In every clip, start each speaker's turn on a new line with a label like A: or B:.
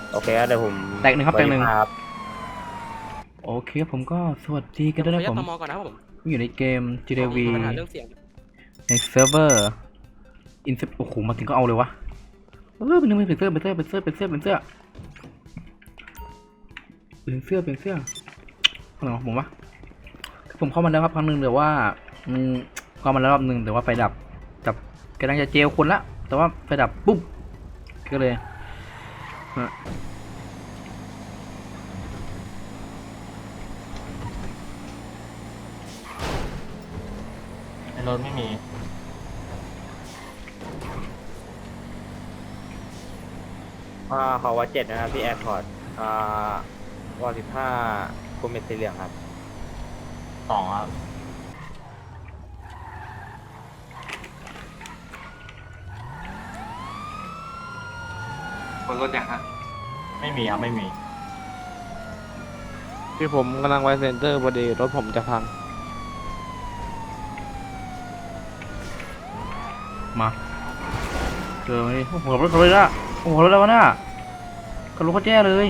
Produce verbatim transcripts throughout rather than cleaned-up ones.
A: โอเคครับเดี๋ยวผม
B: แตกหนึ่งครับแตกหนึ่ง
A: ครับ
B: โอเคผมก็สวัสดีกันด้วยนะผม
C: ตมก่อนนะครับผม
B: อยู่ในเกม จี ที วี
C: มีปัญหาเรื่องเสียง
B: ในเซิร์ฟเวอร์อินเซปโอ้โหมาถึงก็เอาเลยวะเออเป็นเป็นเสื้อเป็นเสื้อเป็นเสื้อเป็นเสื้อเป็นเสื้อเป็นเสื้อเป็นเสื้ออะไรของผมวะผมเข้ามาแล้วครับครั้งหนึ่งแต่ว่าอืมเข้ามาแล้วรอบหนึ่งแต่ว่าไฟดับจับกำลังจะเจลคนละแต่ว่าไฟดับปุ๊บก็เลยฮะ
D: ในรถไม่มี
A: อ่าขอวัดเจ็ดนะครับพี่แอร์พอร์ตอ่าวอลสิบห้าคุมเม็ดสีเหลืองครับ
D: สองครับ
E: คนรถอย่างฮะ
D: ไม่มีครับ ไม่มี
C: ที่ผมกำลังไวเซนเตอร์พอดีรถผมจะพัง
B: มาเจอมาดิโอ้โหรถเขาเลยละโอ้โหรถแล้ววะน่ะกระโหลกเขาแจ้เลย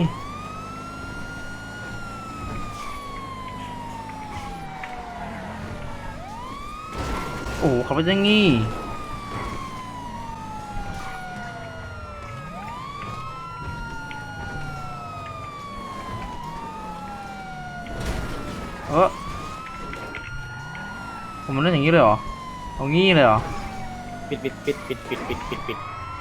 B: โอ้โหขับไปยังงี้เออผมมันเล่นอย่างนี้เลยเหรอเอางี้เลยเหรอ
A: ปิดปิดปิดปิดปิดปิดปิดปิด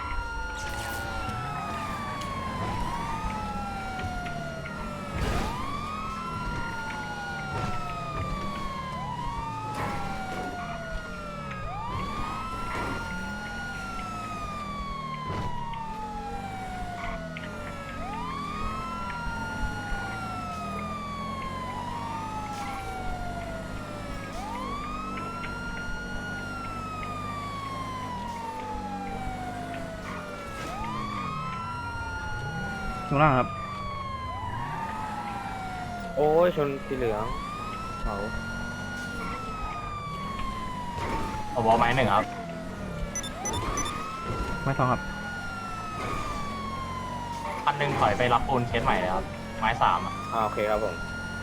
B: ข้างล่างครับ
A: โอ้ยชนสีเหลืองเขา
D: เอาบอลไม้หนึ่งครับ
B: ไม่ทองครับ
D: คันหนึ่งถอยไปรับปูนเคสใหม่เลยครับ ไม้สามอะ
A: อ่าโอเคครับผม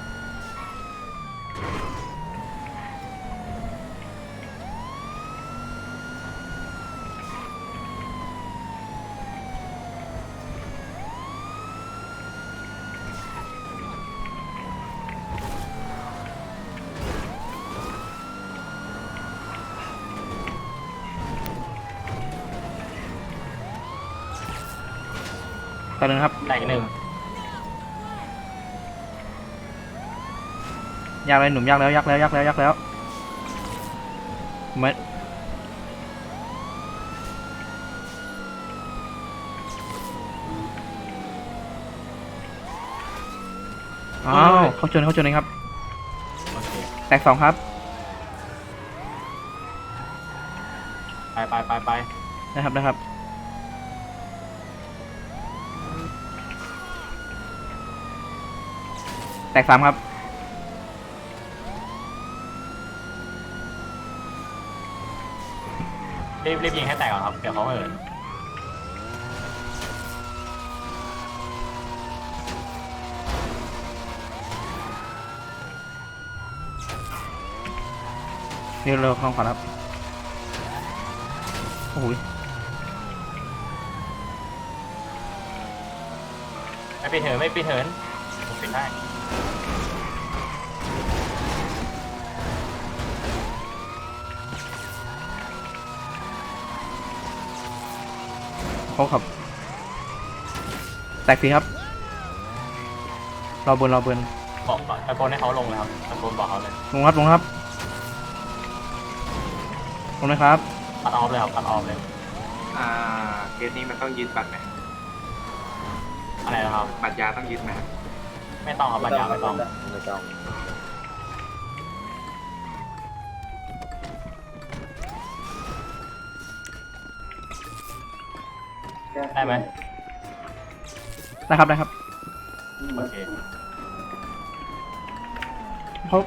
B: ตอนนึงครับ
D: แตกหนึ่ง
B: ยากเลยหนุ่มยากแล้วยากแล้วยากแล้วยากแล้วไม่อ้าวเขาชนเขาชนเองครับ
D: โอเค
B: แตกสองครับ
D: ไปไปไปไป
B: นะครับนะครับแตกสามครับ
D: รีบรีบยิงให้แตกก่อนครับ เดี๋ยวเขาเหิน
B: นี่เราข้างขวาครับโอ้โห
D: ไม่ปิดเหินไม่ปิดเหินผมปิดได้
B: เขาขับแตกสี่ครับรอบนรอบน
D: บอกตะโกนให้เขาลงเลยครับตะโกนบอกเขาเลย
B: ลงครับลงครับลงนะครับ
D: ตัดออฟเลยครับตัดออฟเลย
E: อ่าเคสนี้มันต้องยืนบัตรไหม
D: อะไรนะครับ
E: บัตรยาต้องยืนไหม
D: ไม่ต้องครับปัญญาไม่ต้อง
A: ไม่ต้อง
D: ได้ไหม
B: ได้ครับได้ครับ
D: โอเค
B: เขา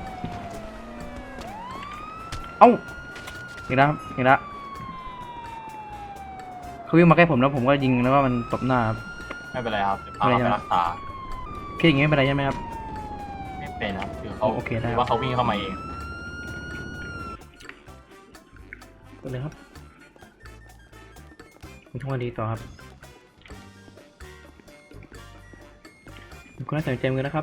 B: เอ้าอีกแล้วครับอีกแล้วเขาวิ่งมาใกล้ผมแล้วผมก็ยิงแล้วว่ามันตบหน้าครับ
D: ไม่เป็นไรครับเดี๋ยวพาเขาไปรักษา
B: เคสอย่างงี้ไม่เป็นไรใช่ไหมครับ
D: ไม่เป็นครับคือเขา
B: โอเคได้
D: หรือว่าเขาวิ่งเข้ามาเอง
B: ไปเลยครับคุณทำงานดีต่อครับคุณน่าสนใจมือนะครับ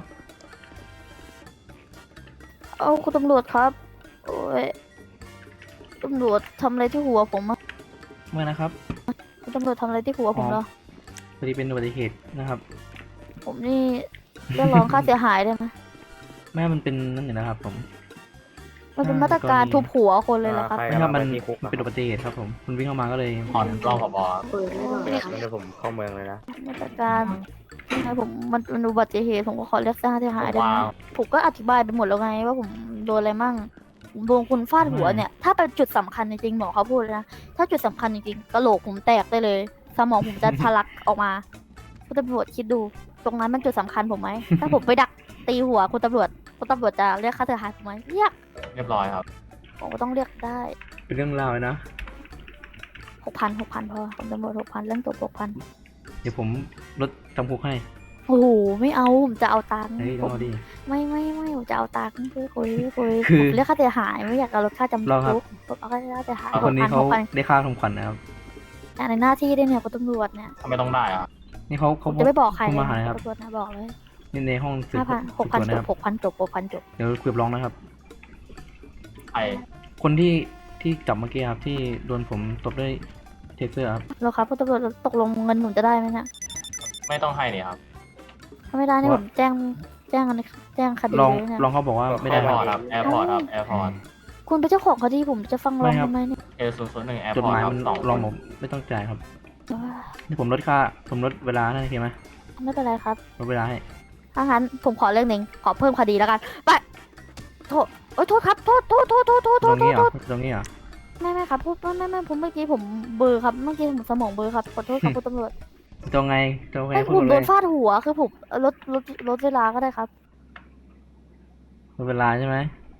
F: เอาคุณตำรวจครับ โอ้ยตำรวจทำอะไรที่หัวผมอะ
B: เมื่อนะครับ
F: คุณตำรวจทำอะไรที่หัวผมเหรอ
B: พอดีเป็นอุบัติเหตุนะครับ
F: ผมนี่เรียกร้องค่าเสียหายได้ไหม
B: แม่มันเป็นนั่นอยู่นะครับผม
F: มันเป็นมาตรการทุบหัวคนเลยเหรอครับ
A: ใคร
B: ไม่ครับมัน
A: ที่คุกอะ
B: เป็นอุบัติเหตุครับผมมันวิ่งเข้ามาก็เลย
D: ผ่อนรองผบครับ
A: เดี๋ยวเดี๋ยวผมเข้าเมืองเลยนะ
F: มาตรการให้ผมมันเป็นอุบัติเหตุผมก็ขอเรียกค่าเสียหายได้ไหม
D: ว้าว
F: ผมก็อธิบายไปหมดแล้วไงว่าผมโดนอะไรมั่งผมโดนคุณฟาดหัวเนี่ย ถ้าเป็นจุดสำคัญจริงๆหมอเขาพูดเลยนะ ถ้าจุดสำคัญจริงๆกะโหลกผมแตกได้เลย สมองผมจะทะลักออกมาคุณตำรวจคิดดู ตรงนั้นมันจุดสำคัญผมไหม ถ้าผมไปดักตีหัวคุณตำรวจคุณตำรวจจะเรียกค่าเสียหายผมไหมเรียก
D: เรียบร้อยครับ
F: ผมก็ต้องเรียกได้
B: เป็นเรื่องราวเลยนะ
F: หกพันหกพันพอคุณตำรวจหกพันเรื่องตัวหกพัน
B: เดี๋ยวผมลดจำคุกให้
F: โอ้โหไม่เอาผมจะเอาตังค์
B: เฮ้ย
F: ผ
B: ร
F: ม
B: อดิ
F: ไม่ไม่ไม่ผมจะเอาตังค์คุยคุยคุย
B: คือ
F: ผมเรียกค่าเสียหายไม่อยากเอาลดค่าจำ
B: รอครับ
F: คุกผมเอาค่าเสียหาย
B: คนนี้
F: ห
B: เขา
F: กพัน
B: ได้ค่าทำขวัญนะครับ
F: ในหน้าที่ด้วยเนี่ยคุณตำรวจเนี่ย
D: ทำไมต้องได้อะ
B: นี่เขา
F: ผ
B: เขา
F: มจะไม่บอกใคร
B: เขา
F: เลย
B: มาหา
F: นะ
B: ครับ
F: ตำรวจนะบอกเลย
B: นี่ในห้องสืบ
F: ห้าพันหกพัน
B: สืบสวน
F: จ
B: นะ
F: บ
B: ครับ
F: หกพันจบหกพันจบ
B: เดี๋ยวคุยกับร้องนะครับ
D: ใคร
B: คนที่ที่จับเมื่อกี้ครับที่โดนผมตบด้วยเทเซอร์ครับ
F: แล้วครับคุณตำรวจตกลงเงินผมจะได้ไหมเนี่ย
D: ไม่ต้องให้นี่ครับ
F: ถ้าไม่ได้นี่
B: ว่า
F: ผมแจ้งแจ้งอะไรแจ้งคดี
B: ลอง
F: เลยเนี่ย
B: ลองเขาบอกว่าไม่
D: แอ
B: ได้
D: ร์
B: ค
D: พ
B: รั
D: อบ ร์ตครับแอร์พอร์ตครับแอร์พอร์ต
F: คุณเป็นเจ้าของคดีผมจะฟังร้อง
B: ไม่ครับ
F: ทำไมเนี่ย
D: เอศูนย์ศูนย์หนึ่งแอร์
B: จด
D: พอ
B: ห
D: ร์ต
B: มาย
D: ครับ
B: มัน
D: สอง
B: ลองผมไม่ต้องจ่ายครับ
F: ว้า
B: นี่ผมลดค่าผมลดเวลาให้โอเคไหม
F: ไม่เป็นไรครับ
B: ลดเวลาให้
F: ถ้างั้นผมขอเรื่องหนึ่งขอเพิ่มคดีแล้วกันไปโทษโอ้ยโทษครับโทษโทษโทษโทษโทษ
B: ต
F: โท
B: ร
F: ษ
B: งนี้เหร
F: โท
B: อ
F: ษ
B: ตรงนี้เหรอ
F: ไม่ไม่ครับพูดไม่ไม่ไม่ผมเมื่อกี้ผมเบลอร์ครับเมื่อกี้ผมสมองเบลอร์ครับขอโทษครับคุณตำรวจ
B: ตรงไงตรงไง
F: ให้
B: พู
F: ผ
B: ด
F: ม
B: มา
F: โด
B: เล
F: น
B: ย
F: ฟาดหัวคือผมลดลดลดเวลาก็ได้ครับ
B: ลดเวลาใช่ไหม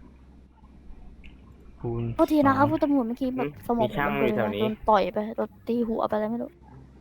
B: คูณ
F: โทษทีนะครับ
B: สอง
F: คุณตำรวจเมื่อกี้แบบสมองผมเบลอร์โดนต่อยไปโดนตีหัวไปอะไรไม่รู้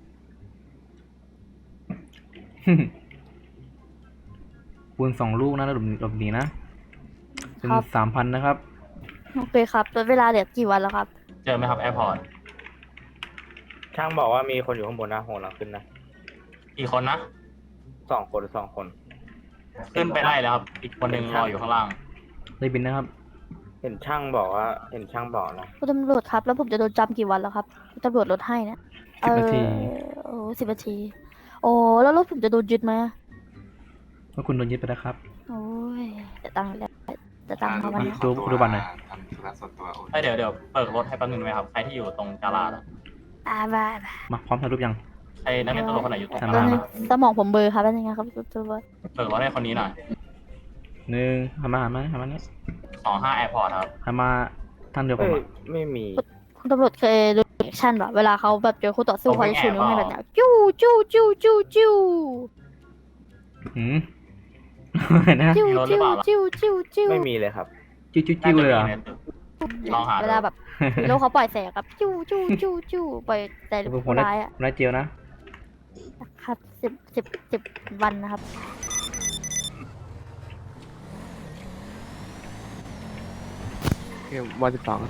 B: คูณสองลูกนะแล้วหลบหนีหลบหนีนะเป็นสามพันนะครับ
F: โอเคครับลดเวลาเดี๋ยวกี่วันแล้วครับ
D: เจอไหมครับแอร์พอร์ต
A: ช่างบอกว่ามีคนอยู่ข้างบนนะโหเราขึ้นนะ
D: กี่คนนะ
A: สองคนสองคน
D: ขึ้นไปไล่แล้วครับ อีกคนหนึ่งรออยู่ข้างล่าง
B: ได้บินนะครับ
A: เห็นช่างบอกว่า เห็นช่างบอกนะ
F: คุณตำรวจครับ แล้วผมจะโดนจำกี่วันแล้วครับคุณตำรวจลดให้เนี่ย
B: สิบนาที
F: เออโอ้สิบนาที โอ้แล้วรถผมจะโดนยึดไหม
B: ว่าคุณโดนยึดไปแล้วครับ
F: โอ้ยจะตังค์แล้วจะตังค์เขาวันนี้
B: ดูดูบัตรหน่อย
E: ทำธุระส่วนตัวโอน
D: เอ้ยเดี๋ยวเดี๋ยวเปิดรถให้แป๊บนึงไหมครับ ใครที่อยู่ตรงกาลาดอะ
F: อ่าบ้าบ้า
B: มาพร้อมถ่ายรูปยัง
D: ใครนักเรียนตำรวจคนไหนอยู่ตรงกา
B: ทำ
D: ลา
B: ไม
D: ด
F: แล้ว
D: อะ
F: นี่สมองผมเบลอร์ครับเป็นยังไงครับคุณตำรวจ
D: เปิดรถให้คนนี้หน่อย
B: หนึ่งหันมาหันมาหันมาเนี่ย
D: สองห้าแอร์พอร์ตครับ
B: หันมาทางเดียวผม
A: เอ้ย
B: อะ
A: ไม่มี
F: คุณตำรวจเคยดูแอคชั่นป่ะเวลาเขาแบบเจอคู่ต่อสู้
D: ผมไม่
F: เขาจะชูนิ้ว
D: แอบ
F: ให้
D: หร
F: แบ
D: อก
F: บเนี้ยจู้จู้จู้จู้จู้
B: หืม นะ
F: จิ้วจิ้วจิ้วจิ้วจิ้ว
A: ไม่มีเลยครับ
B: จิ้วจิ้วจิ้วเลยเหรอ
D: น่าจะมีในตึก ลองหาดู
F: เวลาแบบฮีโร่เขาปล่อยแสงครับจิ้วจิ้วจิ้วจิ้วปล่อยแต่
B: ผมผ
F: ผู้
B: มได้
F: ร้ายอะ
B: ผมได้เจลนะ
F: ครับสิบสิบสิบวันนะครับ
C: เกมวันสิบสอง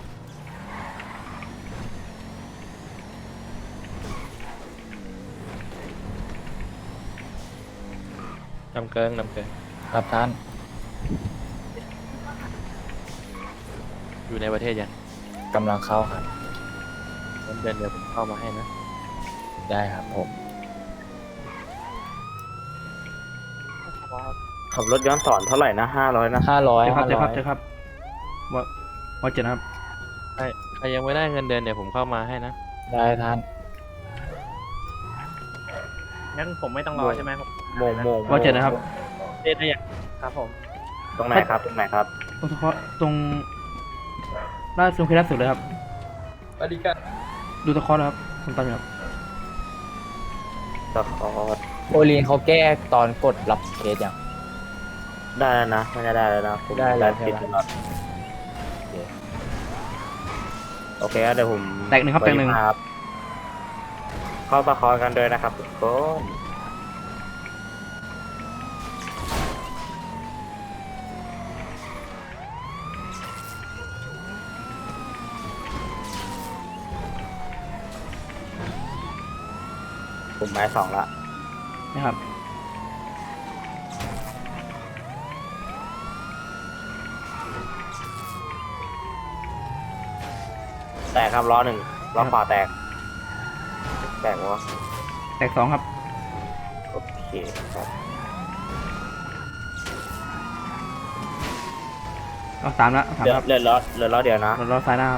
G: นำเกิงนำเกิง
H: ครับท่าน
G: อยู่ในประเทศยัง
H: กำลังเข้าครับ
G: งั้นเดือนเดียวผมเข้ามาให้นะ
H: ได้ครับผม
A: ขับรถย้อนสอนเท่าไหร่นะห้าร้อยนะ
H: ห้าร้อย
B: เจอครั
H: ห้า
B: บเจอ
H: ร้
B: ค
H: อ
B: รับ
H: ย
B: เจอครับว่าว่าเจ็ดนะครับ
G: ใครใครยังไม่ได้เงินเดือนเดี๋ยวผมเข้ามาให้นะ
H: ได้ท่าน
G: งั้นผมไม่ต้องรอใช่ไหมผม
A: โมงโมง
B: ว่าเจ็ดนะครับ
G: เรียนได้ยังครับผม
A: ตรงไหนครับ ตรงไหนครับ
B: ตรงเฉพาะตรงล่าสุดคือล่าสุดเลยครับ
H: สวัสดีครับ
B: ดูตะเคอนะครับคุณตามอยู่ครับ
A: ตะคอร์ด
H: โอลีนเขาแก้ตอนกดรับเคสอย่าง
A: ได้แล้วนะไม่ได้ได้แล้วนะผม
H: ได้แล้วใช่
A: ผิด
H: ไหม
A: ตลอดโอเคครับเดี๋ยวผม
B: แตกหนึ่งครับแตกหนึ่ง
A: ครับ เข้าตะคอร์ดกันด้วยนะครับทุกคนผมไม้สองละ
B: นะครับ
A: แตกครับล้อหนึ่งล้อขวาแตก แตกวะ
B: แตกสองครับ
A: โอเคครับ
B: เอาสามละเอาสาม
A: เหลือ
B: ครับ
A: เหลือล้อเหลือล้อเดียวนะ
B: รถรถซ้ายหน้าครับ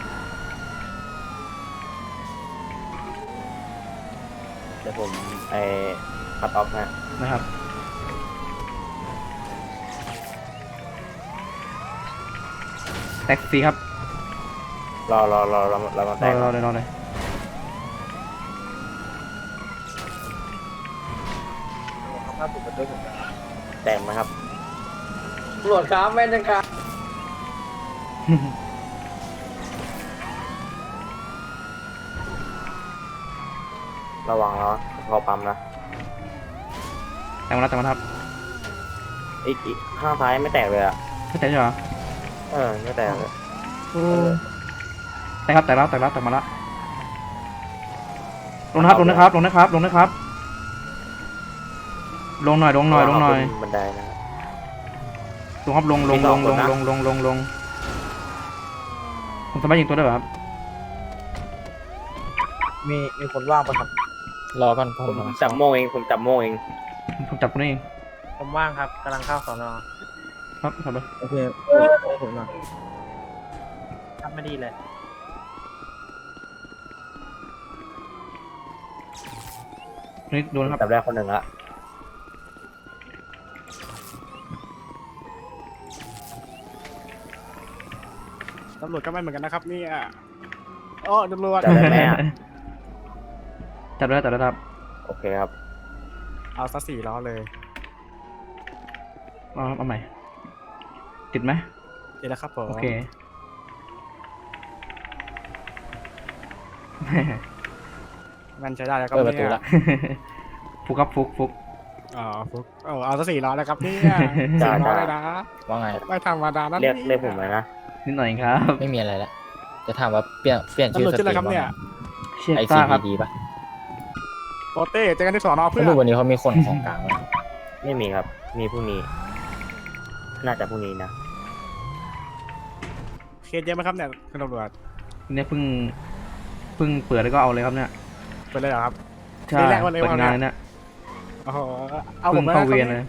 A: เดี๋ยวผมไอ้คัดออฟนะ
B: นะครับ แตกสี่ครับ
A: รอรอรอรอรอมา
B: ร
A: แต
B: อก รอเลยรอเลย
A: แตกไหมครับ
H: ตำรวจครับแม่นจังครับ
A: ระวังล้อพอปั๊มนะ
B: แตกมาแล้วแตกมาแล้วครับ
A: อีกอีกข้างซ้ายไม่แตกเลยอ่ะ
B: ไม่แตกใช่เหรอ
A: เออไม่แตกเลย
B: แตกครับแตกแล้วแตกแล้วแตกมาแล้วลงนะครับลงนะครับลงนะครับลงนะครับ ลงหน่อยลงหน่อยลงหน่อย
A: ขึ้บันไดนะครับ
B: ลงครับลงลง
A: มีส
B: ล
A: อง
B: ง
A: ค
B: ล
A: น
B: ง
A: นะ
B: ลงลงลงลงผมสามารถยิงตัวได้เหรอครับ
A: มีมีคนว่างปะครับ
H: รอก่อนผ
A: ผม มจับโมงเองผมจับโมงเอง
B: ผมจับคนนี้เอง
G: ผมว่างครับกำลังเข้าสอนอ
B: ครับทำเลย
A: โอเคผมหน่อย
G: ทำไม่ดีเลย
B: นี่โดนครับ
A: จับได้คนหนึ่งละ
I: ตำรวจก็ไม่เหมือนกันนะครับเนี่ยโอ้ตำรวจ
A: จับได้ไหมอ่ะ
B: จับได้จับได้ครับ
A: โอเคครับ
I: เอาซะสี่ล้อเลย
B: เอาครับเอาใหม่ ติดไหม
I: เดี๋ยวนะครับผม
B: โอเค
I: มันใช้ได้แล้วครับ
H: เปิดประตู
I: เนี่ย
H: ละ
B: ฟุกครับฟุกฟุก
I: อ๋อฟุกเอาเอาซะสี่ล้อแล้วครับเนี่ย
A: จ้า
I: สี่ล้อ
A: จ้า
I: เลยนะ
H: ว่าไง
I: ไม่ธรรมดานั่น
A: เรียกเรียกผมเลยนะ
B: นิดหน่อยครับ
H: ไม่มีอะไรละจะถามว่าเปลี่ยนเปลี่ยนชื่
I: ตำร
H: อ
I: วจ
H: ส
I: ชื่อ
H: ต
I: อะไร
H: รี
I: ครับ
H: มว่า
I: เนี่ย
B: เชีย
H: ไอ
B: ต้า
H: ซี
B: ครับ
H: ดีป่ะ
I: โปเต้เจอกันที่สอนอเพื่
H: ไม่
I: อน
H: รู้วันนี้เขามีคนของกลางไหม
A: ไม่มีครับ มีพรุ่งนี้ น่าจะพรุ่งนี้นะ
I: เคสเยอะไหมครับเนี่ยคุณตำรวจ
B: เนี่ยเพิ่งเพิ่งเปิดแล้วก็เอาเลยครับเนี่ย
I: ไปเลยเหรอครับ
B: ใช่
I: นี่แรกวันเลย
B: เปิด
I: วัน
B: งาน
I: เนี่ย
B: เลยเนี่ย
I: โอ้โหเอาผ
B: เพิ่
I: ม
B: ง
I: ไป
B: เข้า
I: แล้ว
B: เวียน
I: ค
B: เล
I: รับ
B: ย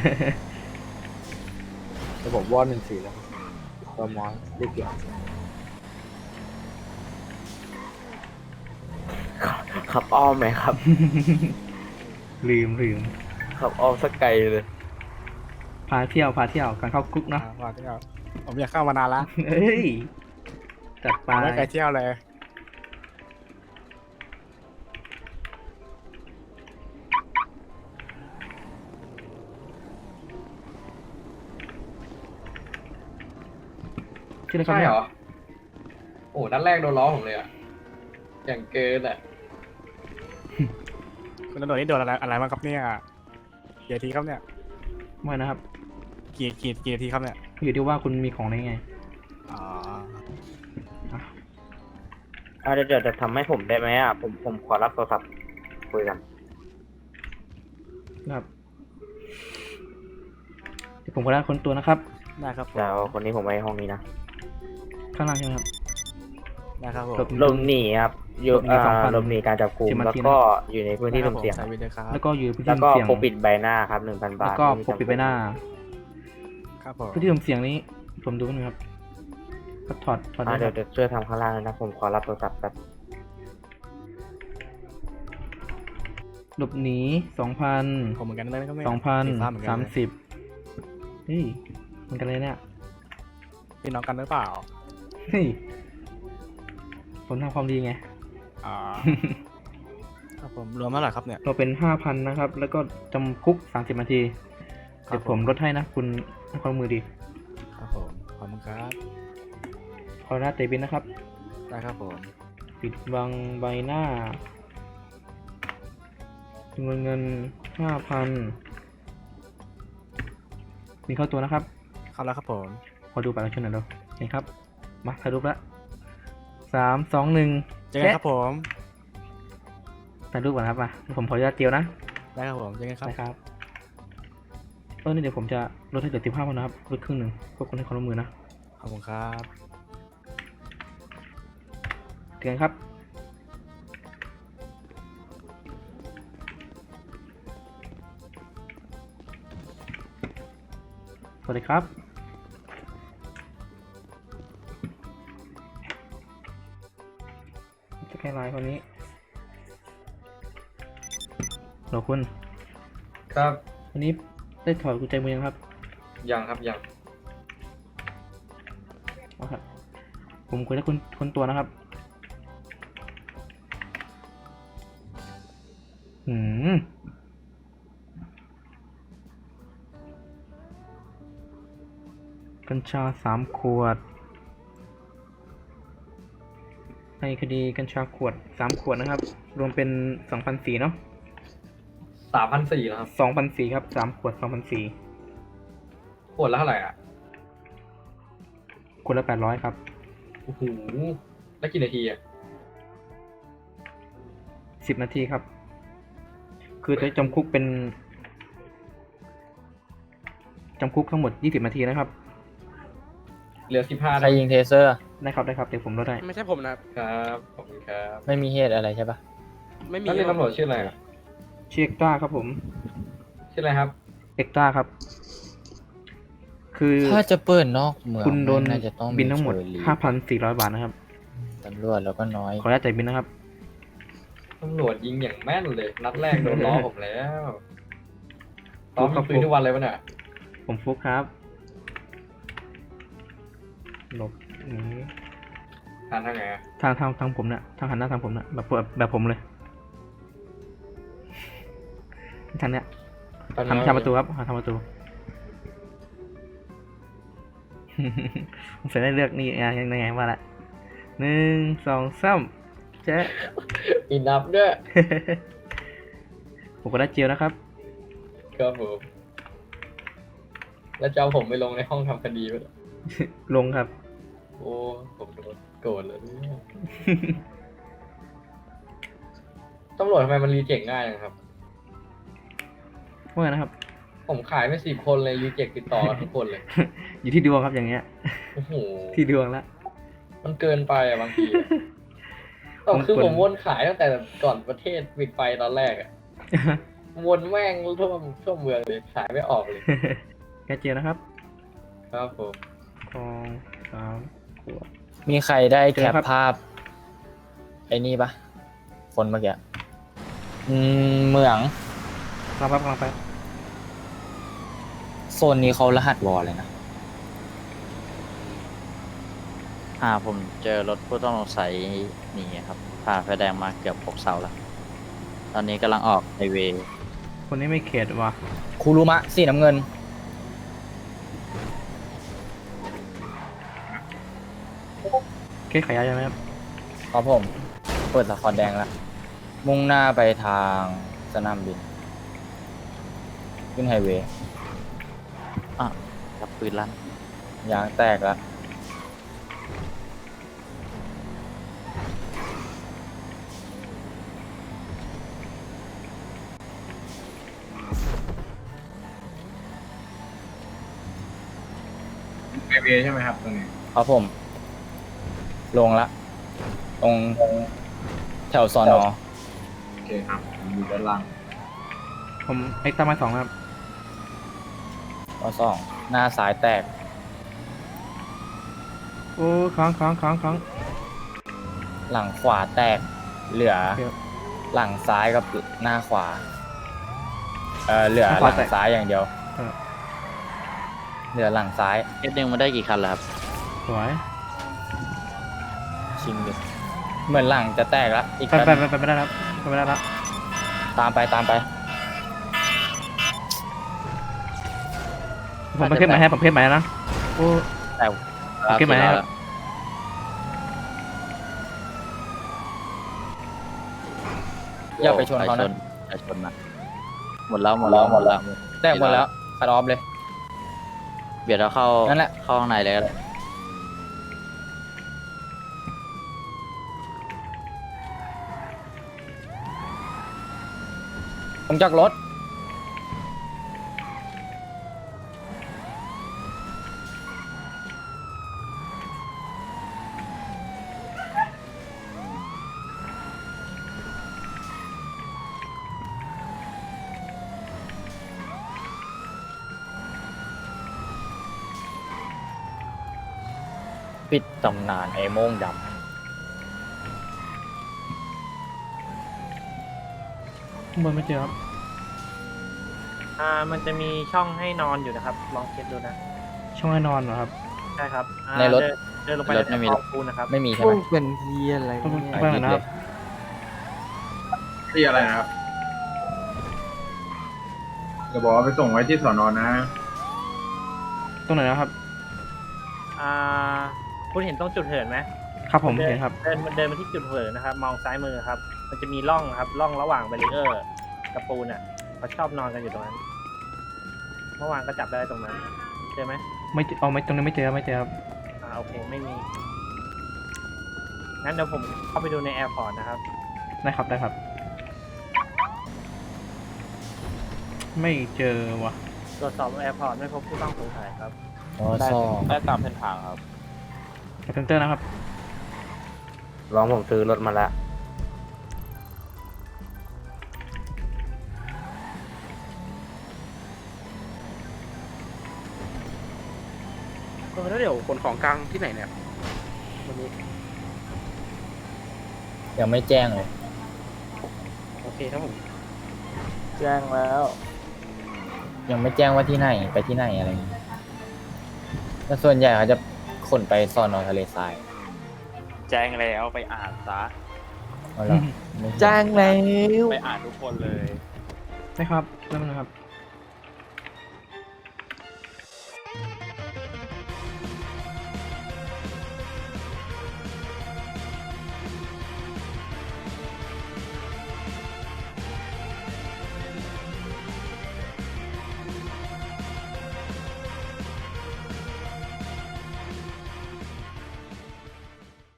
H: ระบบวอดหนึ่งสี่แล้วตมอเรียกเกี่ยว
A: ขับอ้อมไหมครับ
B: ลืมลืม
A: ขับอ้อมสักไกลเลย
B: พาเที่ยวพาเที่ยวการเข้าคุก
I: อ่า
B: เนาะ
I: ว่าที่เอาผมอยากเข้ามานานละ
B: เอ้ยจัดไป
I: ผมไม่เคยเที่ยวเลย
B: ชื่ออะไรครับเนี่ย
H: โอ้นัดแรกโดนล้อผมเลยอ่ะอย่างเกินอ่ะ
I: คุณตำรวจนี่โดนอะไรอะไรบ้างครับเนี่ยกี่นาทีครับเนี่ย
B: ไม่นะครับ
I: กี่กี่กี่นาทีครับเนี่ย
B: อยู่ที่ว่าคุณมีของอะไรไง
I: อ๋อ
A: อ่าเดี๋ยวเดี๋ยวจะทำให้ผมได้ไหมอ่ะ ผมผมขอรับโทรศัพท์คุยกัน
B: ครับเดี๋ยวผมขอได้คนตัวนะครับ
I: ได้ครับผม
A: เดี๋ยวคนนี้ผมไว้ห้องนี้นะ
B: ข้างล่างใช่ไหมครับ
I: ได้ครับผม
B: หลบ
A: หลบหนีครับ อยู่
B: หลบหนี
A: อ่า
B: สองพัน
A: หลบหนีการจับกุม
B: สิบนา
A: แล้ว
B: ที
A: ก็อยู่ในพื้นที่
I: ได้ครับ
A: สุ่มเสี่ยง
I: ใส่วิดีโอครับ
B: แล้วก็อยู่พื้น
A: แล้
B: ที่
A: วก็
B: เสี่ยง
A: ปกปิดใบหน้าครับหนึ่งพันบา
B: แล้
A: ท
B: วก็
A: ไม่มี
B: ปกปิดใบหน้า
I: ครับผม
B: พื้นที่เสี่ยงนี้ ผมดูหนะครับก็ถอดถอด
A: อ่า
B: ได้ค
A: เดี๋ย
B: รับ
A: วเดี๋ยวช่วยทำข้างล่างเลยนะ ผมขอรับโทรศัพท์แบบ
B: หลบหนีสองพัน
I: ผมเหมือนกันเลยนะครับเนี่ย
B: สองพัน
I: สีฟ้าเหมือนกั
B: สาน ม
I: เลย
B: สิบเฮ้ยเหมือนกันเลยเนี่ย
I: พี่น้องกันหรือเปล่า
B: เฮ้ยผมทำความดีไง
I: อ๋อ ครับผมรวมเท่าไหร่ครับเนี่ย
B: เราเป็นห้าพันนะครับ แล้วก็จำคุกสามสิบนาที
I: ครับ
B: เดี๋ยวผมลดให้นะ คุณให้ความมือดี
I: ครับผมขอบคุณครับ
B: ขอหน้าเตบินนะครับ
I: ได้ครับผม
B: ปิดบังใบหน้าจำนวนเงินห้าพันมีเข้าตัวนะครับ
I: เข้าแล้วครับผม
B: ขอดูบัตรประชาชนหน่อยเร็วเห็นครับ มาถ่ายรูปแล้วสามสองหนึ่ง
I: เจอกันครับผม
B: ถ่ายรูปก่อนครับมาผมขออนุญาตเจียวนะ
I: ได้ครับผมเจอกันครับ
B: นะครับเออนี่เดี๋ยวผมจะลดให้เหลือสิบห้าพันนะครับลดครึ่งหนึ่งเพื่อคนให้ความร่วมมือนะ
I: ขอบคุณครับ
B: เตือนครับสวัสดีครับจะแค่ไลน์คนนี้เหรอคุณ
H: ครับ
B: วันนี้ได้ถอดกุญแจมือยังครับ
H: ยังครับยัง
B: เอาครับผมคุยได้คุณคนตัวนะครับหืมกัญชาสามขวดในคดีกัญชาขวดสามขวดนะครับ รวมเป็นสองพันสี่เนาะ
H: สามพันสี่แล้วครับ
B: สองพันสี่ครับสามขวดสองพันสี่
H: ขวดละเท่าไหร่อ่ะ
B: ขวดละแปดร้อยครับ
H: โอ้โหแล้วกี่นาทีอ่ะ
B: สิบนาทีครับ คือจะจำคุกเป็นจำคุกทั้งหมดยี่สิบนาทีนะครับ
H: เหลือสิบห้า
J: ใครยิงเทเซอร์
B: ได้ครับได้ครับเดี๋ยวผมลดได้
I: ไม่ใช่ผมนะครับ
H: ครับขอบคุณครับ
J: ไม่มีเหตุอะไรใช่ปะ
I: ไม่มี
H: แล้วนี่ตำรวจชื่ออะไรอ่ะ
B: ชื่อเอ็กต้าครับผม
H: ชื่ออะไรครับ
B: เอ็กต้าครับ คือ
J: ถ้าจะเปิดนอกเมือง
B: คุณโดน
J: น่าจะต้อง
B: บินทั้งหมด
J: เชอรี่
B: ห้าพันสี่ร้อยบาทนะครับ
J: ตำรวจแล้วก็น้อย
B: ขออนุญาตจ่ายบินนะครับ
H: ตำรวจยิงอย่างแม่นเลย นัดแรกโดนล้อผมแล้วล้อมีปืนทุกวันเลยวะเนี่ย
B: ผมฟุกครับหลบหนี
H: ทานทางไงอะ
B: ทางทางทางผมเนี่ยทางหันหน้าทางผมเนี่ยแบบแบบผมเลยทางเนี้ย
H: ตอน
B: ทำทำประตูครับทำประตู ผมเสร็จได้เลือกนี่ยังยังไงว่าละหนึ่งสองสามเจ๊
H: อินนับด้วย
B: ผมก็ได้เจียวนะครับ
H: ครับผม แล้วจะเอาผมไปลงในห้องทำคดีไป
B: ลงครับ
H: โอ้ผมโดนโกรธเลยเนี่ยตำรวจทำไมมันรีเจ็คง่ายจังครับ
B: ว่าไงนะครับ
H: ผมขายไปสิบคนเลยรีเจ็คติดต่อกันทุกคนเลย
B: อยู่ที่ดวงครับอย่างเงี้ย
H: โอ้โห
B: ที่ดวงละ
H: มันเกินไปอะบางทีอะ
B: ผม
H: คือ
B: ควร
H: ผมวนขายตั้งแต่ก่อนประเทศปิดไฟตอนแรกอะวนแม่งทั่วทั่วเมืองเลยขายไม่ออกเลย
B: แกเจียวนะครับ
H: ครับผม
B: สองสามขวด
J: มีใครได้
B: เจ
J: แค
B: อ
J: ป
B: ครับ
J: ภาพไอ้นี่ปะคนเมื่อกี้อืมเหมือง
B: กำลังไปกำลังไป
J: โซนนี้เขารหัสวอลเลยนะ
K: อ่าผมเจอรถผู้ต้องสงสัยหนีครับผ่านไฟแดงมาเกือบหกเสาแล้ว ตอนนี้กำลังออกไฮเวย์
B: คนนี้ไม่เขตว่ะ
J: คูรุมะสีน้ำเงิน
B: เคสขายยาใช่ไหมครับ
J: ครับผม เปิดสะคอนแดงแล้ว มุ่งหน้าไปทางสนามบิน ขึ้นไฮเวย์
K: อ่ะรับปืนลั่น
J: ยางแตกแล้ว
E: ไอเวใช่ไหมครับตรงนี้
J: ครับผม ลงละ ตรงแถวสอนอ
E: โอเคครับผมอยู่ด้านล่าง
B: ผมเอ็กต้ามาสองนะครับ
J: ข้อสองหน้าซ้ายแตก
B: โอ้ค้างค้างค้างค้าง
J: หลังขวาแตก เหลือ
B: เดี๋ยว
J: หลังซ้ายกับหน้าขวา เออเหลือ
B: หน้า
J: ห
B: ขวา
J: ลัง
B: แตก
J: ซ้ายอย่างเดียว
B: เออ
J: เหลือหลังซ้าย
K: เอสหนึ่งมาได้กี่คันแล้วครับ
B: สวย
J: ชิงดิเหมือนหลังจะแตกแล้วอีก
B: ไป
J: แป๊บ
B: ไปไปไปไม่ได้แล้วไปไม่ได้แล้ว
J: ตามไปตามไป
B: ผมไปเคสใหม่ให้ผมเคสใหม่นะโอ้
K: แต่
B: โอเคไหมครับ
J: อย่าไปชนเขานะ
K: อย่าชนนะหมดแล้วหมดแล้วหมดแล้ว
J: แตกหมดแล้วคัดออฟเลย
K: เบียดเราเข้า
J: นั่นแหละ
K: เข้าข้างในเลยก็ได้
B: ผ
J: ลงจากรถ ปิดตำนานไอ้โม่งดำ
B: ข้างบนไม่เจอครับ
G: อ่า มันจะมีช่องให้นอนอยู่นะครับ ลองเช็คดูนะ
B: ช่องให้นอนเหรอครับ
G: ใช่ครับอ่า
J: ในรถ
G: เดิเดินลงไป
J: รถไม่มี
G: ใน
J: หร
G: ก
J: อ
G: องปูนนะครับ
J: ไม่มีใช่
C: พ
J: ไห
C: ว
J: ม
C: กเป็นที่อะไร
B: ต้อง
C: เนี่ย
B: ไปก่อนนะครับ
E: ที่อะไรนะครับจะบอกว่าไปส่งไว้ที่สอนอนะ
B: ตรงไหนนะครับ
G: อ่า คุณเห็นตรงจุดเหินไหม
B: ครับผม
G: เดิ
B: เห็นครับ
G: เดินเดินมาที่จุดเหินนะครับ มองซ้ายมือครับ มันจะมีร่องครับ ร่องระหว่างแบรีเออร์กับปูนอ่ะเขาชอบนอนกันอยู่ตรงนั้น เมื่อวานก็จับได้ตรงนั้นเจอไหม
B: ไม่เจอเอาไม่ตรงนี้ไม่เจอไม่เจอครับ
G: อ่า โอเค ไม่มี งั้นเดี๋ยวผมเข้าไปดูในแอร์พอร์ตนะครับ
B: ได้ครับได้ครับ ไม่เจอว่ะ
G: ตรวจสอบแอร์พอร์ตไม่พบผู้ต้องสงสัยครับ
J: อ๋อซ่อ
D: ได้ตามเส้นทางครับ
B: เซนเตอร์นะครับ
A: ลองผมซื้อรถมาแล้ว
I: เออแล้วเดี๋ยวขนของกลางที่ไหนเนี่ยวันนี้
J: ยังไม่แจ้งเลย
I: โอเคครับผม
C: แจ้งแล้ว
J: ยังไม่แจ้งว่าที่ไหนไปที่ไหนอะไรอย่างงี้แต่ส่วนใหญ่เขาจะขนไปซอนอทะเลทราย
D: แจ้งแล้วไปอ่านซะ
J: เอาล่ะไม่
C: แจ้งแล้ว
D: ไปอ่านทุกคนเลย
B: ได้ครับได้ไหมครับ